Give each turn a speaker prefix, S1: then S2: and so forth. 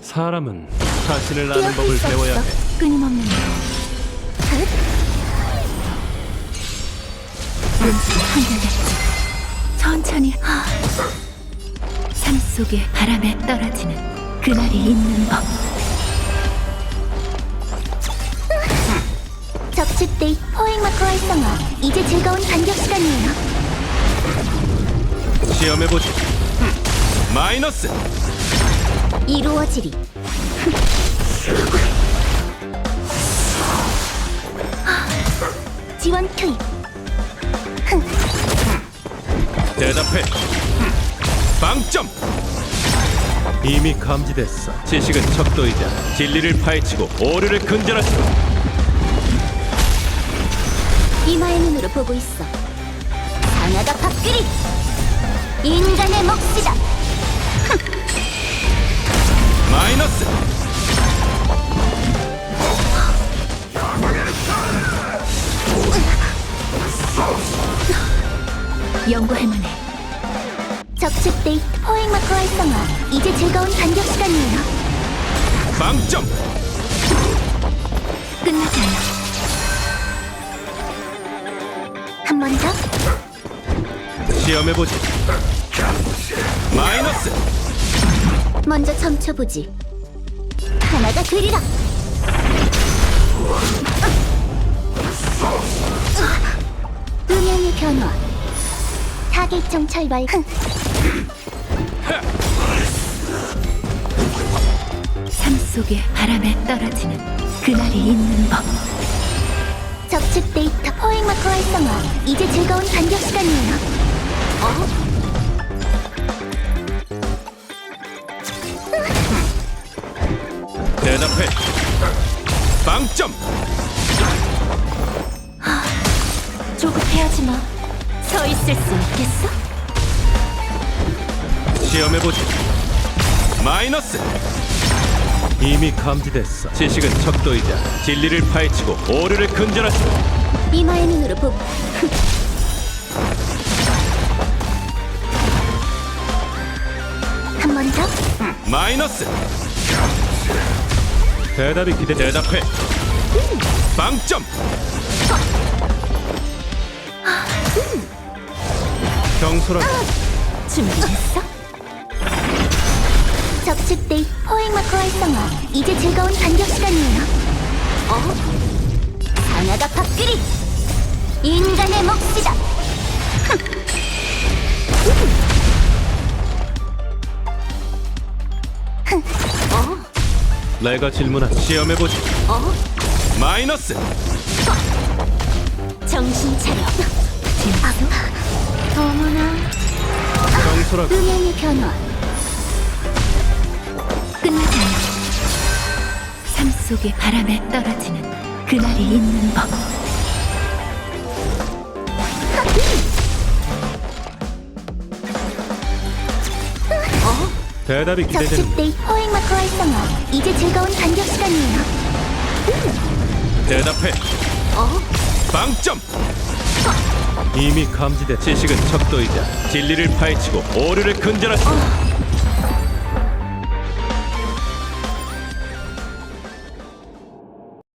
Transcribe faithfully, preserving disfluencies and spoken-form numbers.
S1: 사람은 자신을 아는
S2: 뛰어들
S1: 법을
S2: 수
S1: 배워야
S2: 없어.
S1: 해.
S2: 끊임없는 거. 눈치 한결같이 천천히. 하. 삶 속에 바람에 떨어지는 그날이 있는 법. 적집 데이 포획 마커 활성화. 이제 즐거운 반격 시간이에요.
S1: 시험해보지. 마이너스.
S2: 이루어지리. 지원 투입.
S1: 대답해. 빵점. 이미 감지됐어. 지식은 척도이자 진리를 파헤치고 오류를 근절하시고.
S2: 이마의 눈으로 보고 있어. 강하다 밥그리. 인간의 몫이다.
S1: 마이너스.
S2: 연구할 만해. 적측 데이트 포획 마커 활성화. 이제 즐거운 반격 시간이에요.
S1: 빵점.
S2: 끝나지 않아. 한 번 더.
S1: 시험해보지. 마이너스.
S2: 먼저 점쳐보지. 하나가 그리라. 음향의 변화. 타겟점 철발. 삶 속에 바람에 떨어지는 그날이 있는 법. 적측 데이터 포획 마커 활성화. 이제 즐거운 반격 시간이에요. 어?
S1: 대답해. 빵점.
S2: 조급해하지 마. 서 있을 수 있겠어?
S1: 시험해보지. 마이너스. 이미 감지됐어. 지식은 척도이자 진리를 파헤치고 오류를 근절하시고.
S2: 이마의 눈으로 보고. 한 번 더.
S1: 마이너스. 대답이 기대. 대답해. 빵점. 경솔하게.
S2: 준비됐어? 적측 데이 포획 마커 활성화. 이제 즐거운 반격 시간이에요. 어? 강하다 밥그리. 인간의 몫이다. 어?
S1: 내가 질문한. 시험해보지.
S2: 어?
S1: 마이너스.
S2: 정신 차려. 진짜? 어머나.
S1: 경솔하게.
S2: 음향의 변화. 끝나지 않아. 삶 속에 바람에 떨어지는 그날이 있는 법. 어?
S1: 대답이 기대되는.
S2: 적측 데이 포획 마커 활성화. 이제 즐거운 반격 시간이에요.
S1: 대답해.
S2: 어?
S1: 빵점. 이미 감지된. 지식은 척도이자 진리를 파헤치고 오류를 근절하시고.